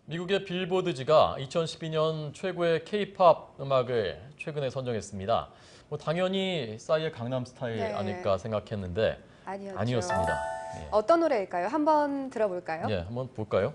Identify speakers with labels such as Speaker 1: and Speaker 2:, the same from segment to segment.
Speaker 1: 미국의 빌보드지가 2012년 최고의 K-팝 음악을 최근에 선정했습니다. 당연히 싸이의 강남스타일
Speaker 2: 네.
Speaker 1: 아닐까 생각했는데
Speaker 2: 아니었죠.
Speaker 1: 아니었습니다. 예.
Speaker 2: 어떤 노래일까요? 한번 들어볼까요?
Speaker 1: 예, 한번 볼까요?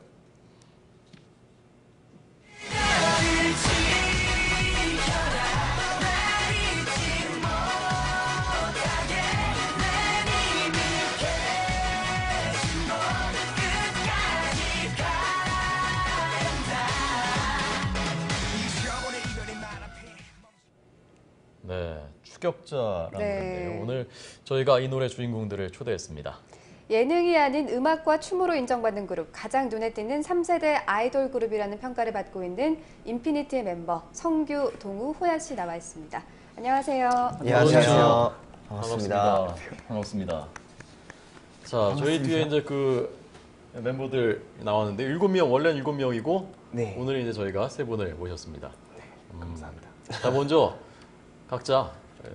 Speaker 1: 네, 추격자라는
Speaker 2: 네.
Speaker 1: 노래인데요. 오늘 저희가 이 노래 주인공들을 초대했습니다.
Speaker 2: 예능이 아닌 음악과 춤으로 인정받는 그룹, 가장 눈에 띄는 3세대 아이돌 그룹이라는 평가를 받고 있는 인피니트의 멤버 성규, 동우, 호야 씨 나와 있습니다. 안녕하세요.
Speaker 3: 안녕하세요.
Speaker 1: 반갑습니다. 반갑습니다. 자, 저희 뒤에 이제 그 멤버들 나왔는데 7명, 원래는 7명이고
Speaker 3: 네.
Speaker 1: 오늘 이제 저희가 3분을 모셨습니다.
Speaker 3: 감사합니다.
Speaker 1: 자, 먼저 각자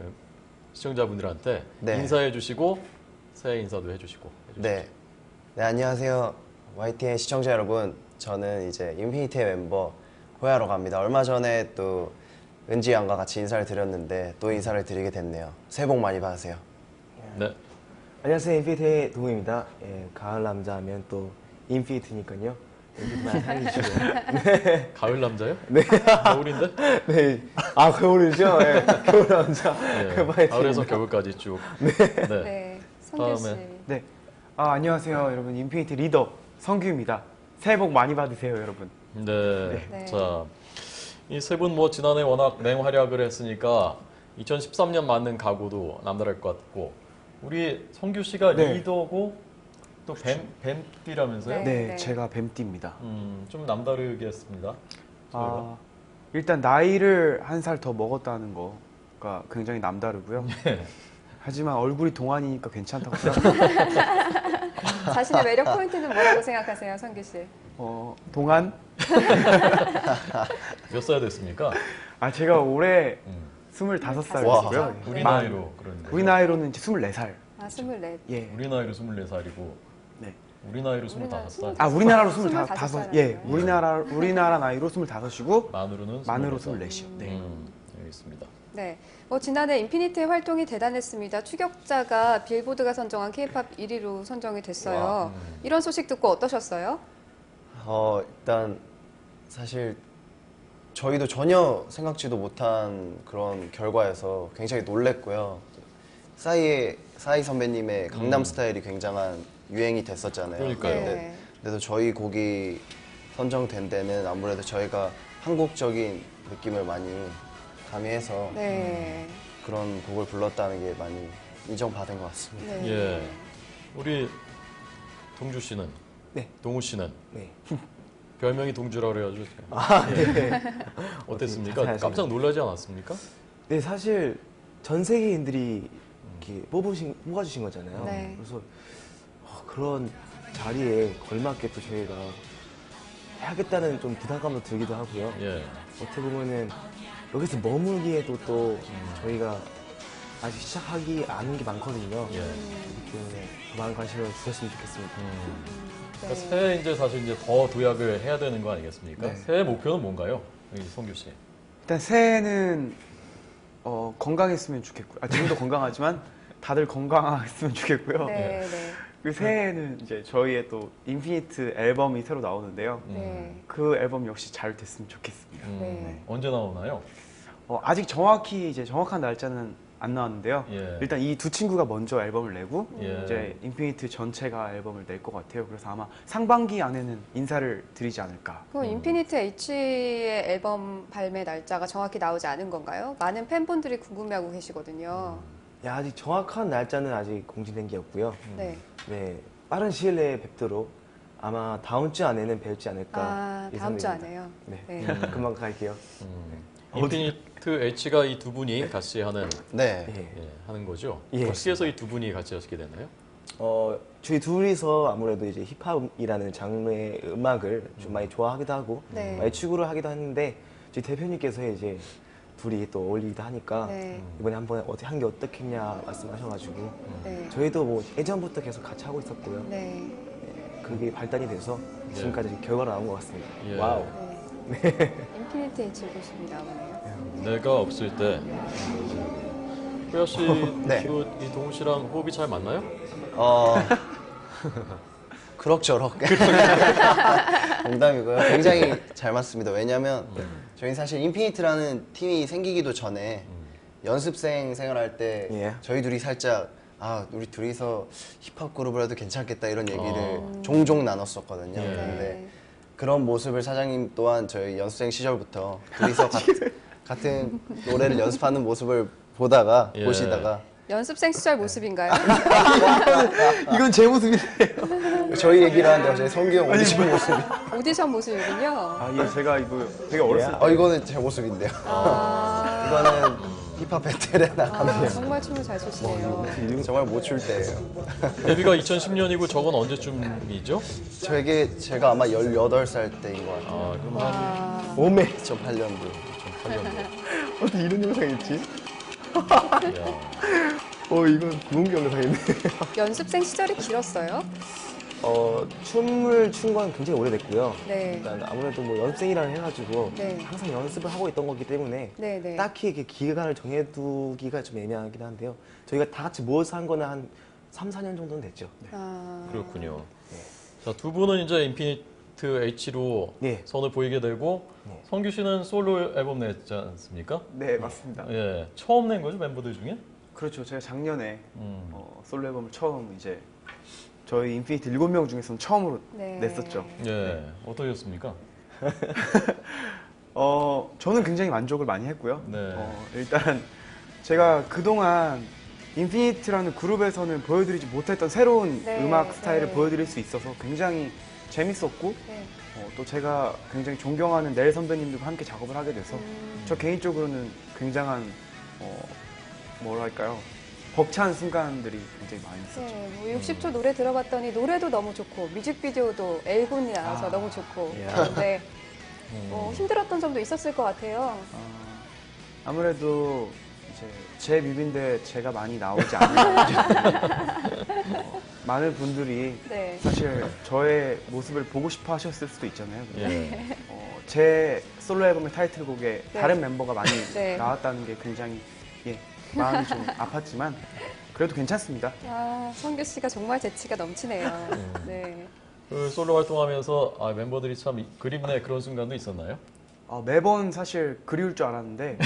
Speaker 1: 시청자분들한테
Speaker 3: 네.
Speaker 1: 인사해 주시고 새해 인사도 해주시고.
Speaker 3: 네. 네, 안녕하세요. YTN 시청자 여러분. 저는 이제 인피니트의 멤버 호야라고 합니다. 얼마 전에 또 은지 양과 같이 인사를 드렸는데 또 인사를 드리게 됐네요. 새해 복 많이 받으세요.
Speaker 1: 네.
Speaker 4: 안녕하세요. 인피니트의 동우입니다. 예, 가을 남자 하면 또 인피니트니까요. 인피니트 많이 사랑해주시고요.
Speaker 1: 가을 남자요?
Speaker 4: 네.
Speaker 1: 겨울인데?
Speaker 4: 네. 아, 겨울이죠? 예, 겨울 남자.
Speaker 1: 네.
Speaker 4: 많이
Speaker 1: 가을에서
Speaker 4: 드립니다.
Speaker 1: 겨울까지 쭉. 네.
Speaker 2: 네, 성규 씨.
Speaker 1: 다음에.
Speaker 5: 네. 안녕하세요, 여러분. 인피니트 리더 성규입니다. 새해 복 많이 받으세요, 여러분.
Speaker 1: 네.
Speaker 2: 네.
Speaker 1: 자, 이 세 분 지난해 워낙 맹활약을 했으니까 2013년 맞는 각오도 남다를 것 같고 우리 성규 씨가
Speaker 5: 네.
Speaker 1: 리더고 또 뱀띠라면서요?
Speaker 2: 네.
Speaker 5: 네, 제가 뱀띠입니다.
Speaker 1: 좀 남다르게 했습니다. 저희가.
Speaker 5: 일단 나이를 한 살 더 먹었다는 거가 굉장히 남다르고요.
Speaker 1: 네.
Speaker 5: 하지만 얼굴이 동안이니까 괜찮다고 생각합니다.
Speaker 2: 자신의 매력 포인트는 뭐라고 생각하세요, 성규 씨?
Speaker 5: 동안?
Speaker 1: 몇 살 됐습니까?
Speaker 5: 제가 올해
Speaker 1: 음.
Speaker 5: 25살이고요.
Speaker 1: 우리 나이로 그런데.
Speaker 5: 우리 나이로는 이제 24살.
Speaker 2: 아, 24.
Speaker 5: 예.
Speaker 1: 우리 나이로 24살이고
Speaker 5: 네.
Speaker 1: 우리 나이로
Speaker 2: 우리나라
Speaker 1: 25살.
Speaker 5: 우리나라로
Speaker 2: 25
Speaker 5: 25. 예. 우리나라 나이로 25이고
Speaker 1: 만으로는
Speaker 5: 만으로
Speaker 1: 24살.
Speaker 5: 24이요. 네.
Speaker 1: 알겠습니다.
Speaker 2: 네, 지난해 인피니트의 활동이 대단했습니다. 추격자가 빌보드가 선정한 K-팝 1위로 선정이 됐어요.
Speaker 1: 와,
Speaker 2: 이런 소식 듣고 어떠셨어요?
Speaker 3: 일단 사실 저희도 전혀 생각지도 못한 그런 결과여서 굉장히 놀랬고요. 싸이 선배님의 강남 스타일이 굉장한 유행이 됐었잖아요.
Speaker 1: 그러니까요.
Speaker 2: 네.
Speaker 3: 근데도 저희 곡이 선정된 데는 아무래도 저희가 한국적인 느낌을 많이 가미해서
Speaker 2: 네.
Speaker 3: 그런 곡을 불렀다는 게 많이 인정받은 것 같습니다.
Speaker 2: 네.
Speaker 1: 예. 우리 동주 씨는
Speaker 4: 네.
Speaker 1: 동우 씨는
Speaker 4: 네.
Speaker 1: 별명이 동주라고 그래가지고
Speaker 4: 네.
Speaker 1: 어땠습니까?
Speaker 4: 자세하게.
Speaker 1: 깜짝 놀라지 않았습니까?
Speaker 4: 네, 사실 전 세계인들이 이렇게 뽑아주신 거잖아요.
Speaker 2: 네.
Speaker 4: 그래서 그런 자리에 걸맞게 또 저희가 해야겠다는 좀 부담감도 들기도 하고요.
Speaker 1: 예.
Speaker 4: 어떻게 보면은 여기서 머물기에도 또 저희가 아직 시작하기 않은 게 많거든요.
Speaker 1: 예.
Speaker 4: 그렇기 때문에 더 많은 관심을 주셨으면 좋겠습니다.
Speaker 1: 그러니까 새해 이제 사실 이제 더 도약을 해야 되는 거 아니겠습니까?
Speaker 5: 네.
Speaker 1: 새해 목표는 뭔가요? 우리 성규 씨.
Speaker 5: 일단 새해는 건강했으면 좋겠고요. 지금도 건강하지만 다들 건강했으면 좋겠고요.
Speaker 2: 네, 네.
Speaker 5: 그 새해에는 이제 저희의 또 인피니트 앨범이 새로 나오는데요.
Speaker 2: 네.
Speaker 5: 그 앨범 역시 잘 됐으면 좋겠습니다.
Speaker 2: 네.
Speaker 1: 언제 나오나요?
Speaker 5: 아직 정확히 이제 정확한 날짜는 안 나왔는데요.
Speaker 1: 예.
Speaker 5: 일단 이 두 친구가 먼저 앨범을 내고
Speaker 1: 예.
Speaker 5: 이제 인피니트 전체가 앨범을 낼 것 같아요. 그래서 아마 상반기 안에는 인사를 드리지 않을까.
Speaker 2: 그럼 인피니트 H의 앨범 발매 날짜가 정확히 나오지 않은 건가요? 많은 팬분들이 궁금해하고 계시거든요.
Speaker 4: 야, 아직 정확한 날짜는 아직 공지된 게 없고요.
Speaker 2: 네.
Speaker 4: 네, 빠른 시일 내에 뵙도록 아마 다음 주 안에는 뵐지 않을까
Speaker 2: 다음 주
Speaker 4: 예상됩니다.
Speaker 2: 안에요?
Speaker 4: 네,
Speaker 2: 네.
Speaker 4: 금방 갈게요.
Speaker 1: 인피니트 H가 이 두 분이 같이 하는
Speaker 3: 네.
Speaker 4: 예.
Speaker 1: 하는 거죠?
Speaker 4: 예.
Speaker 1: 어떻게 해서 이 두 분이 같이 하시게 되나요?
Speaker 4: 저희 둘이서 아무래도 이제 힙합이라는 장르의 음악을 좀 많이 좋아하기도 하고
Speaker 2: 네.
Speaker 4: 많이 추구를 하기도 하는데 저희 대표님께서 이제 둘이 또 어울리기도 하니까
Speaker 2: 네.
Speaker 4: 이번에 한번 한 게 어떻겠냐 말씀하셔가지고
Speaker 2: 네.
Speaker 4: 저희도 뭐 예전부터 계속 같이 하고 있었고요.
Speaker 2: 네.
Speaker 4: 그게 발달이 돼서 지금까지 결과가 나온 것 같습니다.
Speaker 1: 예.
Speaker 4: 와우.
Speaker 2: 네. 인피니트 H 모습이 나오네요.
Speaker 1: 내가 없을 때 호야 씨,
Speaker 3: 네.
Speaker 1: 이 동우 씨랑 호흡이 잘 맞나요?
Speaker 3: 그럭저럭. 농담이고요. 굉장히 잘 맞습니다. 왜냐면 저희 사실 인피니트라는 팀이 생기기도 전에 연습생 생활할 때
Speaker 4: 예.
Speaker 3: 저희 둘이 살짝 우리 둘이서 힙합 그룹을 해도 괜찮겠다 이런 얘기를 종종 나눴었거든요.
Speaker 1: 예.
Speaker 3: 근데 그런 모습을 사장님 또한 저희 연습생 시절부터 둘이서 같은 노래를 연습하는 모습을
Speaker 1: 예.
Speaker 3: 보시다가
Speaker 2: 연습생 시절 모습인가요?
Speaker 4: 이건 제 모습인데.
Speaker 3: 저희 얘기를 하는데 저희 성규 형 오디션 모습이
Speaker 2: 오디션 모습이군요.
Speaker 5: 아, 예, 제가 이거 되게 어렸을 때
Speaker 3: 이거는 제 모습인데요. 이거는 힙합 배틀에 나가면
Speaker 2: 정말 춤을 잘 추시네요.
Speaker 3: 정말 못 출 때예요.
Speaker 1: 데뷔가 2010년이고 저건 언제쯤이죠?
Speaker 3: 제가 아마 18살 때인 것 같아요.
Speaker 1: 그럼 한
Speaker 4: 오메.
Speaker 3: 2008년도.
Speaker 1: 8년.
Speaker 4: 어떻게 이런 영상이 있지?
Speaker 1: 야.
Speaker 4: 이건 구운기 영상인데.
Speaker 2: 연습생 시절이 길었어요?
Speaker 4: 춤을 춘 건 굉장히 오래됐고요.
Speaker 2: 네.
Speaker 4: 일단 아무래도 뭐 연습생이라 해가지고
Speaker 2: 네.
Speaker 4: 항상 연습을 하고 있던 거기 때문에
Speaker 2: 네, 네.
Speaker 4: 딱히 이렇게 기간을 정해두기가 좀 애매하긴 한데요. 저희가 다 같이 모여서 한 거는 한 3, 4년 정도는 됐죠.
Speaker 1: 그렇군요. 자, 두 분은 이제 인피니트 H로
Speaker 4: 네.
Speaker 1: 선을 보이게 되고 성규 씨는 솔로 앨범 냈지 않습니까?
Speaker 5: 네, 맞습니다.
Speaker 1: 예, 처음 낸 거죠 멤버들 중에?
Speaker 5: 그렇죠. 제가 작년에 솔로 앨범을 처음 이제 저희 인피니트 7명 중에서는 처음으로
Speaker 2: 네.
Speaker 5: 냈었죠.
Speaker 1: 예, 어떠셨습니까?
Speaker 5: 저는 굉장히 만족을 많이 했고요.
Speaker 1: 네.
Speaker 5: 일단 제가 그동안 인피니트라는 그룹에서는 보여드리지 못했던 새로운
Speaker 2: 네,
Speaker 5: 음악 스타일을
Speaker 2: 네.
Speaker 5: 보여드릴 수 있어서 굉장히 재밌었고
Speaker 2: 네.
Speaker 5: 또 제가 굉장히 존경하는 넬 선배님들과 함께 작업을 하게 돼서 저 개인적으로는 굉장한 뭐랄까요 벅찬 순간들이 굉장히 많이 있었죠.
Speaker 2: 네, 뭐 60초 노래 들어봤더니 노래도 너무 좋고 뮤직비디오도 L군이 나와서 너무 좋고 네. 힘들었던 점도 있었을 것 같아요.
Speaker 5: 아무래도 이제 제 뮤비인데 제가 많이 나오지 않아요. 많은 분들이
Speaker 2: 네.
Speaker 5: 사실 저의 모습을 보고 싶어 하셨을 수도 있잖아요. 근데
Speaker 1: 예.
Speaker 5: 제 솔로 앨범의 타이틀곡에
Speaker 2: 네.
Speaker 5: 다른 멤버가 많이
Speaker 2: 네.
Speaker 5: 나왔다는 게 굉장히 마음이 좀 아팠지만 그래도 괜찮습니다.
Speaker 2: 성규 씨가 정말 재치가 넘치네요. 네.
Speaker 1: 그 솔로 활동하면서 멤버들이 참 그립네 그런 순간도 있었나요?
Speaker 5: 매번 사실 그리울 줄 알았는데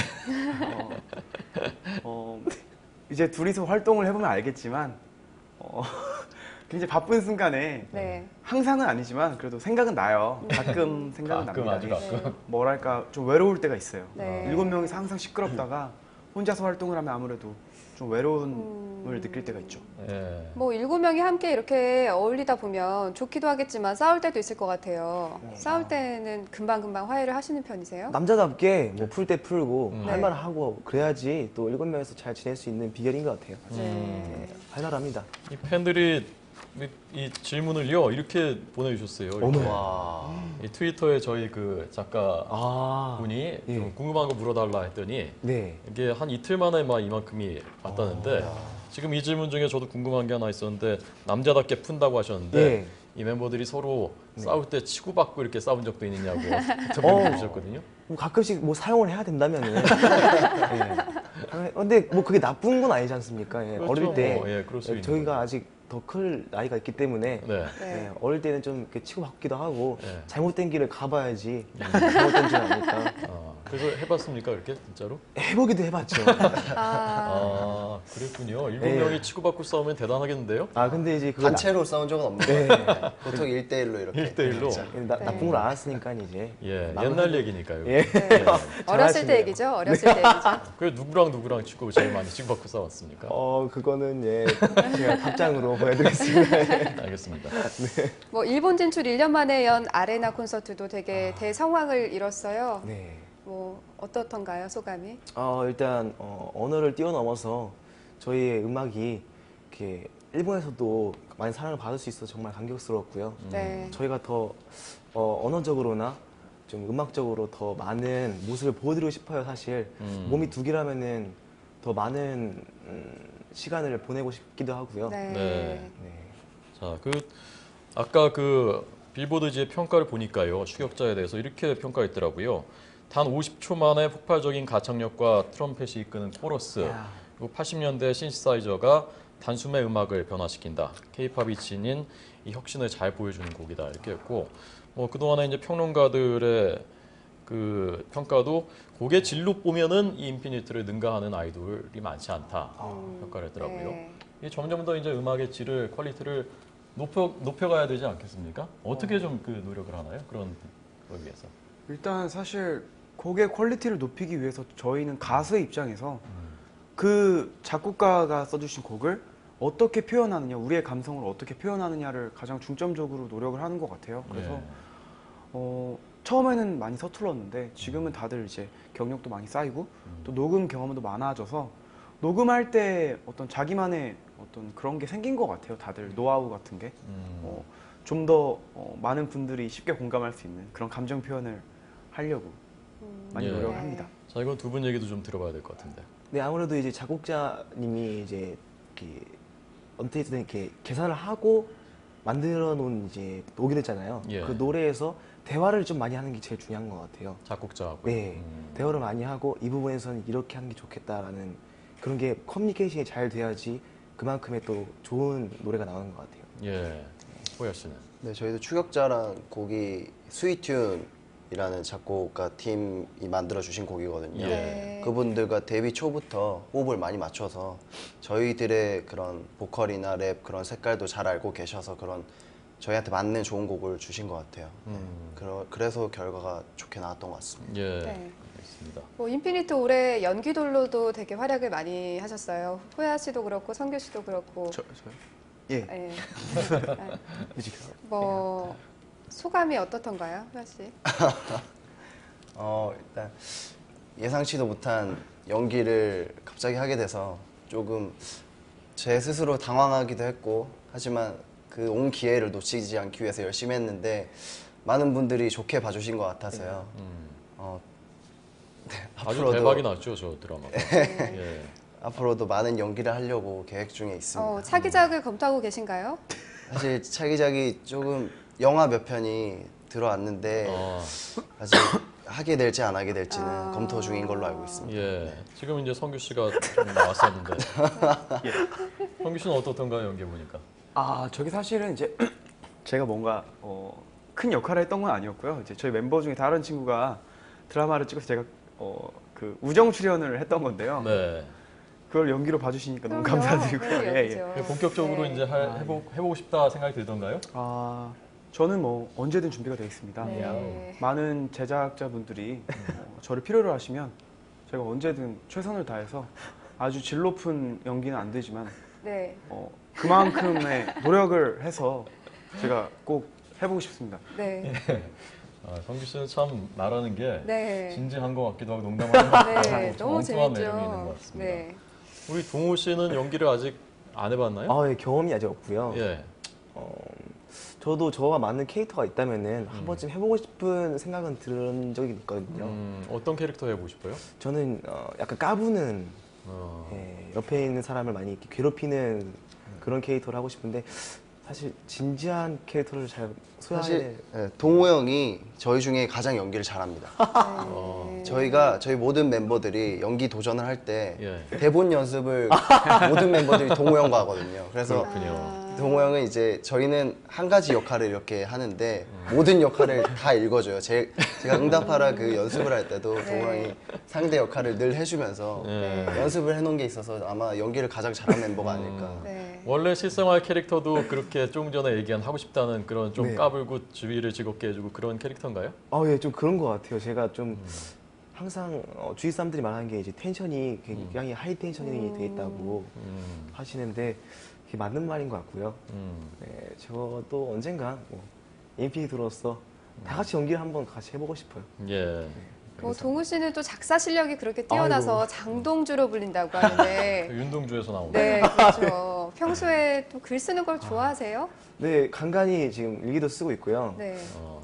Speaker 5: 이제 둘이서 활동을 해보면 알겠지만 굉장히 바쁜 순간에
Speaker 2: 네.
Speaker 5: 항상은 아니지만 그래도 생각은 나요. 가끔 생각은
Speaker 1: 가끔,
Speaker 5: 납니다.
Speaker 1: 아주 가끔.
Speaker 5: 뭐랄까 좀 외로울 때가 있어요.
Speaker 2: 네.
Speaker 5: 7명이서 항상 시끄럽다가 혼자서 활동을 하면 아무래도 좀 외로움을 느낄 때가 있죠.
Speaker 1: 예.
Speaker 2: 뭐 7명이 함께 이렇게 어울리다 보면 좋기도 하겠지만 싸울 때도 있을 것 같아요. 싸울 때는 금방금방 화해를 하시는 편이세요?
Speaker 4: 남자답게 뭐 풀 때 풀고
Speaker 2: 네.
Speaker 4: 할 말 하고 그래야지 또 7명에서 잘 지낼 수 있는 비결인 것 같아요.
Speaker 2: 네.
Speaker 4: 활발합니다.
Speaker 1: 이 팬들이 이 질문을요 이렇게 보내주셨어요. 이렇게. 이 트위터에 저희 그 작가 분이
Speaker 4: 예.
Speaker 1: 좀 궁금한 거 물어달라 했더니
Speaker 4: 네.
Speaker 1: 이게 한 이틀 만에 막 이만큼이 왔다는데 지금 이 질문 중에 저도 궁금한 게 하나 있었는데 남자답게 푼다고 하셨는데
Speaker 4: 예.
Speaker 1: 이 멤버들이 서로 싸울 때 치고받고 이렇게 싸운 적도 있느냐고 인터뷰를 주셨거든요.
Speaker 4: 뭐 가끔씩 뭐 사용을 해야 된다면은. 근데 뭐 그게 나쁜 건 아니지 않습니까? 예,
Speaker 1: 그렇죠.
Speaker 4: 어릴 때
Speaker 1: 예, 그럴 수 있는
Speaker 4: 저희가 아직 더 클 나이가 있기 때문에
Speaker 1: 네.
Speaker 2: 네.
Speaker 4: 예, 어릴 때는 좀 이렇게 치고받기도 하고
Speaker 1: 네.
Speaker 4: 잘못된 길을 가봐야지 잘못된 줄 아니까
Speaker 1: 그래서 해봤습니까 그렇게 진짜로?
Speaker 4: 해보기도 해봤죠.
Speaker 1: 그랬군요. 7명이 치고받고 싸우면 대단하겠는데요?
Speaker 4: 근데 이제 그거
Speaker 3: 단체로 싸운 적은 없는 것 같아요. 보통 1대1로 이렇게.
Speaker 1: 1대1로?
Speaker 4: 나쁜 걸 알았으니까 이제
Speaker 1: 예,
Speaker 4: 마음을
Speaker 1: 옛날 얘기니까요.
Speaker 4: 예.
Speaker 2: 네. 어렸을 때 얘기죠. 어렸을 때 얘기죠.
Speaker 1: 그 누구랑 치고 제일 많이 치고받고 싸웠습니까?
Speaker 4: 그거는 제가 답장으로 보여드리겠습니다.
Speaker 1: 알겠습니다.
Speaker 2: 뭐 일본 진출 1년 만에 연 아레나 콘서트도 되게 대성황을 이뤘어요.
Speaker 4: 네.
Speaker 2: 뭐 어떻던가요, 소감이?
Speaker 4: 일단 언어를 뛰어넘어서 저희의 음악이 이렇게 일본에서도 많이 사랑을 받을 수 있어서 정말 감격스러웠고요.
Speaker 2: 네.
Speaker 4: 저희가 더 언어적으로나 좀 음악적으로 더 많은 모습을 보여드리고 싶어요. 사실 몸이 두 개라면은 더 많은 시간을 보내고 싶기도 하고요.
Speaker 2: 네.
Speaker 1: 네.
Speaker 4: 네.
Speaker 1: 자, 아까 그 빌보드지의 평가를 보니까요. 추격자에 대해서 이렇게 평가했더라고요. 단 50초 만에 폭발적인 가창력과 트럼펫이 이끄는 코러스, 그리고 80년대 신시사이저가 단숨에 음악을 변화시킨다. 케이팝이 지닌 이 혁신을 잘 보여주는 곡이다. 이렇게 했고, 뭐 그동안에 이제 평론가들의 그 평가도 곡의 질로 보면은 이 인피니트를 능가하는 아이돌이 많지 않다. 평가를 했더라고요.
Speaker 2: 네.
Speaker 1: 이 점점 더 이제 음악의 질을 퀄리티를 높여가야 되지 않겠습니까? 어떻게 좀 그 노력을 하나요? 그런 걸 위해서.
Speaker 5: 일단 사실 곡의 퀄리티를 높이기 위해서 저희는 가수의 입장에서 그 작곡가가 써주신 곡을 어떻게 표현하느냐, 우리의 감성을 어떻게 표현하느냐를 가장 중점적으로 노력을 하는 것 같아요. 그래서
Speaker 1: 예.
Speaker 5: 처음에는 많이 서툴렀는데 지금은 다들 이제 경력도 많이 쌓이고 또 녹음 경험도 많아져서 녹음할 때 어떤 자기만의 어떤 그런 게 생긴 것 같아요. 다들 노하우 같은 게. 좀 더 많은 분들이 쉽게 공감할 수 있는 그런 감정 표현을 하려고 많이
Speaker 1: 예.
Speaker 5: 노력을 합니다.
Speaker 1: 자, 이건 두 분 얘기도 좀 들어봐야 될 것 같은데.
Speaker 4: 네, 아무래도 이제 작곡자님이 이제 이렇게 어떻게든 이렇게 계산을 하고 만들어 놓은 이제 녹이 됐잖아요.
Speaker 1: 예.
Speaker 4: 그 노래에서 대화를 좀 많이 하는 게 제일 중요한 것 같아요.
Speaker 1: 작곡자하고.
Speaker 4: 네, 대화를 많이 하고 이 부분에서는 이렇게 하는 게 좋겠다라는 그런 게 커뮤니케이션이 잘 돼야지 그만큼의 또 좋은 노래가 나오는 것 같아요.
Speaker 1: 예. 호야 씨는.
Speaker 3: 네, 저희도 추격자란 곡이 스위튠이라는 작곡가 팀이 만들어 주신 곡이거든요.
Speaker 1: 예.
Speaker 2: 네.
Speaker 3: 그분들과 데뷔 초부터 호흡을 많이 맞춰서 저희들의 그런 보컬이나 랩 그런 색깔도 잘 알고 계셔서 그런 저희한테 맞는 좋은 곡을 주신 것 같아요. 그래서 결과가 좋게 나왔던 것 같습니다.
Speaker 1: 예.
Speaker 2: 네.
Speaker 1: 알겠습니다.
Speaker 2: 뭐 인피니트 올해 연기돌로도 되게 활약을 많이 하셨어요. 호야 씨도 그렇고 성규 씨도 그렇고.
Speaker 5: 저요? 예.
Speaker 2: 예. 뭐 소감이 어떻던가요, 호야 씨?
Speaker 3: 일단 예상치도 못한 연기를 갑자기 하게 돼서 조금 제 스스로 당황하기도 했고, 하지만 그 온 기회를 놓치지 않기 위해서 열심히 했는데 많은 분들이 좋게 봐주신 것 같아서요. 네,
Speaker 1: 아주 대박이 났죠, 저 드라마가. 예.
Speaker 3: 앞으로도 많은 연기를 하려고 계획 중에 있습니다.
Speaker 2: 차기작을 검토하고 계신가요?
Speaker 3: 사실 차기작이 조금 영화 몇 편이 들어왔는데 아직 하게 될지 안 하게 될지는 검토 중인 걸로 알고 있습니다.
Speaker 1: 예. 지금 이제 성규 씨가 좀 나왔었는데. 성규 씨는 어떻던가요, 연기 보니까?
Speaker 5: 저기 사실은 이제 제가 뭔가 큰 역할을 했던 건 아니었고요. 이제 저희 멤버 중에 다른 친구가 드라마를 찍어서 제가 그 우정 출연을 했던 건데요.
Speaker 1: 네.
Speaker 5: 그걸 연기로 봐주시니까 너무
Speaker 2: 그럼요.
Speaker 5: 감사드리고요.
Speaker 2: 네,
Speaker 5: 예, 예.
Speaker 2: 연기죠.
Speaker 1: 본격적으로
Speaker 2: 네.
Speaker 1: 이제 해보고 싶다 생각이 들던가요?
Speaker 5: 저는 뭐 언제든 준비가 되어 있습니다.
Speaker 2: 네.
Speaker 5: 많은 제작자분들이 저를 필요로 하시면 제가 언제든 최선을 다해서 아주 질 높은 연기는 안 되지만
Speaker 2: 네.
Speaker 5: 그만큼의 노력을 해서 제가 꼭 해보고 싶습니다.
Speaker 2: 네.
Speaker 1: 성규 씨는 참 말하는 게
Speaker 2: 네.
Speaker 1: 진지한 것 같기도 하고 농담하는 것 같기도
Speaker 2: 네.
Speaker 1: 하고
Speaker 2: 너무
Speaker 1: 엉뚱한 매력이 있는
Speaker 2: 재밌죠.
Speaker 1: 것 같습니다.
Speaker 2: 네.
Speaker 1: 우리 동호 씨는 연기를 아직 안 해봤나요?
Speaker 4: 예, 경험이 아직 없고요.
Speaker 1: 예.
Speaker 4: 저도 저와 맞는 캐릭터가 있다면은 한 번쯤 해보고 싶은 생각은 들은 적이 있거든요.
Speaker 1: 어떤 캐릭터 해보고 싶어요?
Speaker 4: 저는 약간 까부는
Speaker 1: 어,
Speaker 4: 옆에 있는 사람을 많이 이렇게 괴롭히는 그런 캐릭터를 하고 싶은데 사실 진지한 캐릭터를 잘 소화해.
Speaker 3: 사실 동호 형이 저희 중에 가장 연기를 잘합니다. 저희 모든 멤버들이 연기 도전을 할 때
Speaker 1: 예.
Speaker 3: 대본 연습을 모든 멤버들이 동호 형과 하거든요. 그래서
Speaker 1: 그렇군요.
Speaker 3: 동호 형은 이제 저희는 한 가지 역할을 이렇게 하는데 모든 역할을 다 읽어줘요. 제가 응답하라 그 연습을 할 때도 동호 형이 상대 역할을 늘 해주면서
Speaker 1: 예.
Speaker 3: 연습을 해놓은 게 있어서 아마 연기를 가장 잘한 멤버가 아닐까.
Speaker 2: 네.
Speaker 1: 원래 실생활 캐릭터도 그렇게 조금 전에 얘기한 하고 싶다는 그런 좀
Speaker 4: 네.
Speaker 1: 까불고 주위를 즐겁게 해주고 그런 캐릭터인가요?
Speaker 4: 예, 좀 그런 것 같아요. 제가 좀 항상 주위 사람들이 말하는 게 이제 텐션이 굉장히 하이 텐션이 돼 있다고 하시는데 그게 맞는 말인 것 같고요. 네, 저도 언젠가 뭐 인피니트로서 다 같이 연기를 한번 같이 해보고 싶어요.
Speaker 1: 예.
Speaker 2: 뭐 동우 씨는 또 작사 실력이 그렇게 뛰어나서 장동주로 불린다고 하는데
Speaker 1: 윤동주에서 나온
Speaker 2: 네, 그렇죠. 평소에 또 글 쓰는 걸 좋아하세요?
Speaker 4: 네, 간간히 지금 일기도 쓰고 있고요.
Speaker 2: 네.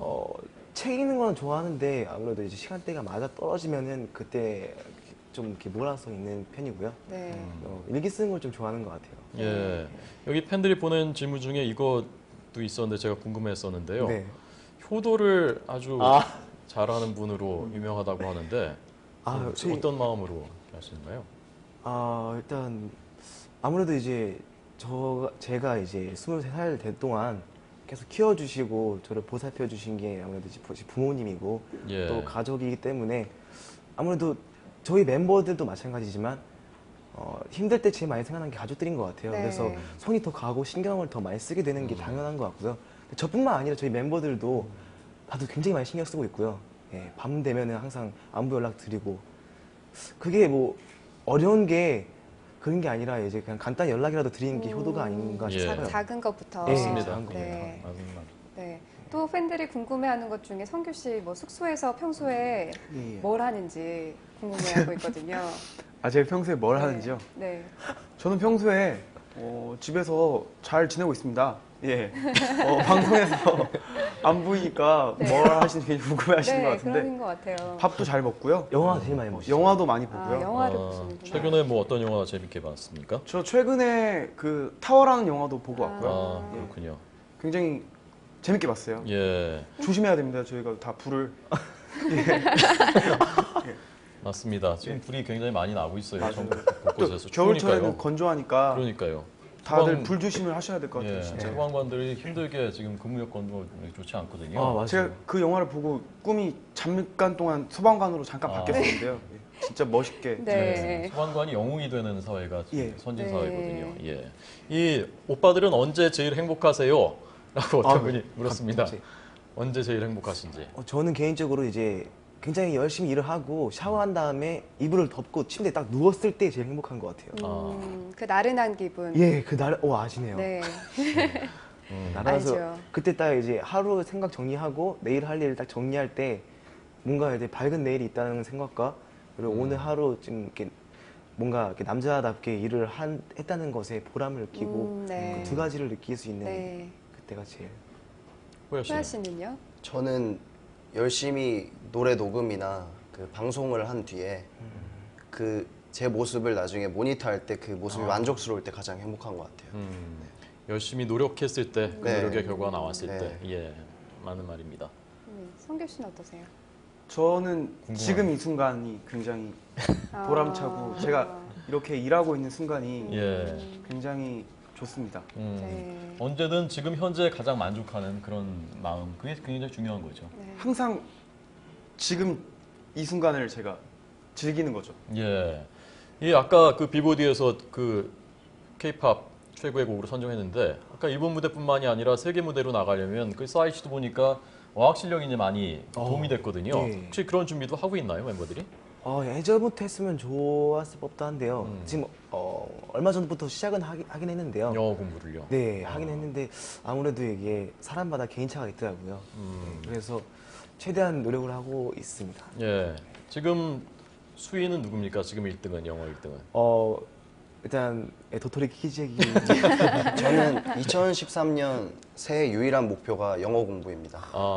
Speaker 4: 책 읽는 건 좋아하는데 아무래도 이제 시간대가 맞아 떨어지면은 그때 좀 이렇게 몰아서 읽는 편이고요.
Speaker 2: 네.
Speaker 4: 일기 쓰는 걸 좀 좋아하는 것 같아요.
Speaker 1: 예. 여기 팬들이 보낸 질문 중에 이거 도 있었는데 제가 궁금했었는데요.
Speaker 4: 네.
Speaker 1: 효도를 아주
Speaker 4: 아.
Speaker 1: 잘하는 분으로 유명하다고 하는데 어떤 마음으로 하시는가요?
Speaker 4: 일단 아무래도 이제 제가 이제 23살 될 동안 계속 키워주시고 저를 보살펴 주신 게 아무래도 이제 부모님이고
Speaker 1: 예.
Speaker 4: 또 가족이기 때문에 아무래도 저희 멤버들도 마찬가지지만 힘들 때 제일 많이 생각나는 게 가족들인 것 같아요.
Speaker 2: 네.
Speaker 4: 그래서 손이 더 가고 신경을 더 많이 쓰게 되는 게 당연한 것 같고요. 저뿐만 아니라 저희 멤버들도 다들 굉장히 많이 신경 쓰고 있고요. 예, 밤 되면은 항상 안부 연락 드리고 그게 뭐 어려운 게 그런 게 아니라 이제 그냥 간단히 연락이라도 드리는 게 효도가 아닌가
Speaker 1: 예.
Speaker 4: 싶어요.
Speaker 2: 작은 것부터.
Speaker 4: 예,
Speaker 1: 맞습니다.
Speaker 4: 작은 것부터.
Speaker 2: 네.
Speaker 1: 맞는 말.
Speaker 2: 네. 또 팬들이 궁금해하는 것 중에 성규 씨 뭐 숙소에서 평소에
Speaker 5: 예, 예.
Speaker 2: 뭘 하는지 궁금해하고 있거든요.
Speaker 5: 아, 제가 평소에 뭘
Speaker 2: 네.
Speaker 5: 하는지요?
Speaker 2: 네.
Speaker 5: 저는 평소에 집에서 잘 지내고 있습니다. 예. 방송에서 안 보이니까
Speaker 2: 네.
Speaker 5: 뭘 하시는지 굉장히 궁금해하시는 것
Speaker 2: 네,
Speaker 5: 같은데
Speaker 2: 그런 것 같아요.
Speaker 5: 밥도 잘 먹고요.
Speaker 4: 영화 제일 많이 보시죠.
Speaker 5: 영화도 많이 보고요.
Speaker 2: 아, 영화를 보시는구나.
Speaker 1: 최근에 뭐 어떤 영화 재밌게 봤습니까?
Speaker 5: 저 최근에 그 타워라는 영화도 보고 왔고요.
Speaker 1: 아,
Speaker 2: 네.
Speaker 1: 그렇군요.
Speaker 5: 굉장히 재밌게 봤어요.
Speaker 1: 예,
Speaker 5: 조심해야 됩니다. 저희가 다 불을
Speaker 1: 맞습니다. 지금 불이 굉장히 많이 나고 있어요.
Speaker 5: 맞아요.
Speaker 1: 전국
Speaker 5: 또
Speaker 1: 곳곳에서
Speaker 5: 겨울철에는
Speaker 1: 추우니까요.
Speaker 5: 건조하니까
Speaker 1: 그러니까요.
Speaker 5: 다들
Speaker 1: 소방-
Speaker 5: 불 조심을 하셔야 될 것 같아요.
Speaker 1: 예,
Speaker 5: 진짜.
Speaker 1: 소방관들이 힘들게 지금 근무 여건도 좋지 않거든요.
Speaker 4: 아, 맞아요.
Speaker 5: 제가 그 영화를 보고 꿈이 잠깐 동안 소방관으로 잠깐
Speaker 1: 아.
Speaker 5: 바뀌었는데요. 예, 진짜 멋있게.
Speaker 2: 네.
Speaker 1: 소방관이 영웅이 되는 사회가
Speaker 5: 예.
Speaker 1: 선진
Speaker 2: 네.
Speaker 1: 사회거든요. 예. 이 오빠들은 언제 제일 행복하세요? 라고 어떤
Speaker 4: 아,
Speaker 1: 분이 물었습니다.
Speaker 4: 갑자기.
Speaker 1: 언제 제일 행복하신지.
Speaker 4: 저는 개인적으로 이제 굉장히 열심히 일을 하고 샤워한 다음에 이불을 덮고 침대에 딱 누웠을 때 제일 행복한 것 같아요.
Speaker 2: 그 나른한 기분.
Speaker 4: 예, 그날 아시네요.
Speaker 2: 네.
Speaker 4: 날아서
Speaker 2: 알죠.
Speaker 4: 그때 딱 이제 하루 생각 정리하고 내일 할 일 딱 정리할 때 뭔가 이제 밝은 내일이 있다는 생각과 그리고 오늘 하루 좀 이렇게 뭔가 이렇게 남자답게 일을 했다는 것에 보람을 느끼고
Speaker 2: 네.
Speaker 4: 그 두 가지를 느낄 수 있는
Speaker 2: 네.
Speaker 4: 그때가 제일.
Speaker 1: 호야 씨.
Speaker 2: 호야 씨는요?
Speaker 3: 저는 열심히 노래 녹음이나 그 방송을 한 뒤에 그 제 모습을 나중에 모니터할 때 그 모습이 만족스러울 때 가장 행복한 것 같아요.
Speaker 1: 열심히 노력했을 때, 그
Speaker 3: 네.
Speaker 1: 노력의 결과가 나왔을
Speaker 3: 네.
Speaker 1: 때, 예, 맞는 말입니다.
Speaker 2: 성규 씨는 어떠세요?
Speaker 5: 저는 지금 이 순간이 굉장히 보람차고 제가 이렇게 일하고 있는 순간이
Speaker 1: 예,
Speaker 5: 굉장히 좋습니다.
Speaker 2: 네.
Speaker 1: 언제든 지금 현재 가장 만족하는 그런 마음, 그게 굉장히 중요한 거죠.
Speaker 2: 네.
Speaker 5: 항상 지금 이 순간을 제가 즐기는 거죠.
Speaker 1: 예, 이 아까 그 빌보드에서 그 K-팝 최고의 곡으로 선정했는데 아까 일본 무대뿐만이 아니라 세계 무대로 나가려면 그 사이트도 보니까 어학 실력이 이제 많이 도움이 됐거든요.
Speaker 4: 예.
Speaker 1: 혹시 그런 준비도 하고 있나요, 멤버들이?
Speaker 4: 예전부터 했으면 좋았을 법도 한데요. 지금 얼마 전부터 시작은 하긴 했는데요.
Speaker 1: 영어 공부를요.
Speaker 4: 네, 하긴 했는데 아무래도 이게 사람마다 개인차가 있더라고요. 그래서 최대한 노력을 하고 있습니다.
Speaker 1: 예, 지금 수위는 누굽니까? 지금 1등은 영어 1등은.
Speaker 4: 일단 도토리 키즈기
Speaker 3: 저는 2013년 새해 유일한 목표가 영어 공부입니다.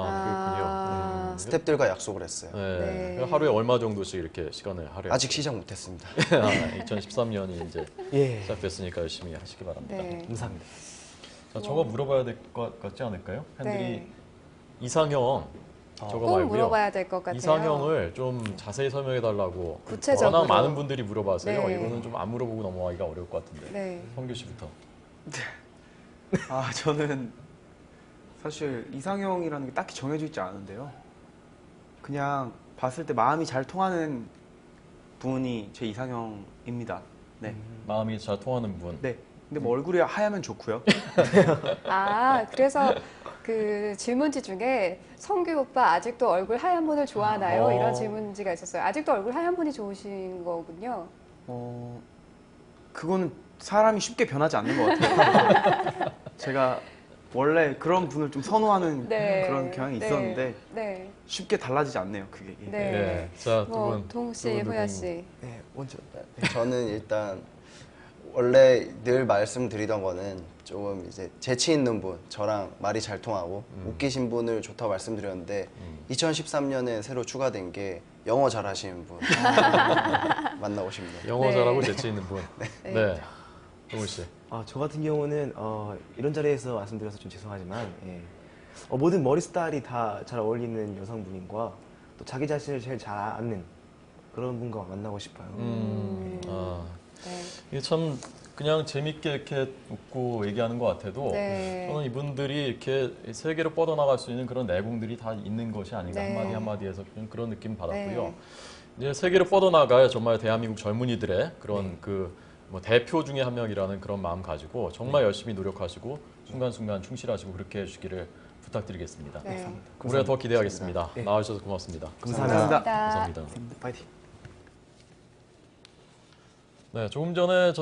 Speaker 1: 아, 그렇군요.
Speaker 3: 스탭들과 약속을 했어요.
Speaker 1: 네.
Speaker 2: 네.
Speaker 1: 하루에 얼마 정도씩 이렇게 시간을 하루에?
Speaker 3: 아직 시작 못했습니다.
Speaker 1: 2013년이 이제
Speaker 4: 예,
Speaker 1: 시작됐으니까 열심히 하시기 바랍니다.
Speaker 2: 네.
Speaker 4: 감사합니다.
Speaker 1: 자, 저거 물어봐야 될 것 같지 않을까요? 팬들이
Speaker 2: 네.
Speaker 1: 이상형 저거
Speaker 2: 꼭
Speaker 1: 말고요.
Speaker 2: 물어봐야 될 것 같아요.
Speaker 1: 이상형을 좀 자세히 설명해 달라고
Speaker 2: 구체적으로.
Speaker 1: 워낙 많은 분들이 물어봐서요.
Speaker 2: 네.
Speaker 1: 이거는 좀 안 물어보고 넘어가기가 어려울 것 같은데.
Speaker 2: 네.
Speaker 1: 성규 씨부터.
Speaker 5: 저는 사실 이상형이라는 게 딱히 정해져 있지 않은데요. 그냥 봤을 때 마음이 잘 통하는 분이 제 이상형입니다. 네.
Speaker 1: 마음이 잘 통하는 분.
Speaker 5: 네. 근데 뭐 얼굴이 하얗면 좋고요.
Speaker 2: 그래서 그 질문지 중에 성규 오빠 아직도 얼굴 하얀 분을 좋아하나요? 이런 질문지가 있었어요. 아직도 얼굴 하얀 분이 좋으신 거군요.
Speaker 5: 그거는 사람이 쉽게 변하지 않는 것 같아요. 제가 원래 그런 분을 좀 선호하는
Speaker 2: 네.
Speaker 5: 그런 경향이
Speaker 2: 네.
Speaker 5: 있었는데
Speaker 2: 네.
Speaker 5: 쉽게 달라지지 않네요. 그게. 예.
Speaker 2: 네.
Speaker 1: 네. 자, 두
Speaker 2: 뭐
Speaker 1: 분.
Speaker 2: 동욱 씨,
Speaker 1: 두 분,
Speaker 2: 호야
Speaker 1: 두 분.
Speaker 2: 씨.
Speaker 4: 네, 먼저.
Speaker 3: 저는 일단 원래 늘 말씀드리던 거는 조금 이제 재치 있는 분, 저랑 말이 잘 통하고 웃기신 분을 좋다고 말씀드렸는데 2013년에 새로 추가된 게 영어 잘하시는 분 만나고 싶네요.
Speaker 1: 영어
Speaker 2: 네.
Speaker 1: 잘하고 재치 있는 분.
Speaker 2: 네.
Speaker 1: 네. 동훈 씨.
Speaker 4: 저 같은 경우는 이런 자리에서 말씀드려서 좀 죄송하지만 모든 머리 스타일이 다 잘 어울리는 여성분과 또 자기 자신을 제일 잘 아는 그런 분과 만나고 싶어요.
Speaker 2: 네.
Speaker 1: 이게 참 그냥 재밌게 이렇게 웃고 얘기하는 것 같아도
Speaker 2: 네.
Speaker 1: 저는 이분들이 이렇게 세계로 뻗어나갈 수 있는 그런 내공들이 다 있는 것이 아닌가
Speaker 2: 네.
Speaker 1: 한마디 한마디에서 그런 느낌 받았고요.
Speaker 2: 네.
Speaker 1: 이제 세계로 뻗어나가야 정말 대한민국 젊은이들의 그런 뭐 대표 중에 한 명이라는 그런 마음 가지고 정말 열심히 노력하시고 순간순간 충실하시고 그렇게 해주시기를 부탁드리겠습니다.
Speaker 2: 네.
Speaker 1: 우리가 더 기대하겠습니다.
Speaker 4: 네.
Speaker 1: 나와주셔서 고맙습니다.
Speaker 4: 감사합니다.
Speaker 1: 감사합니다.
Speaker 5: 파이팅.
Speaker 1: 네, 조금 전에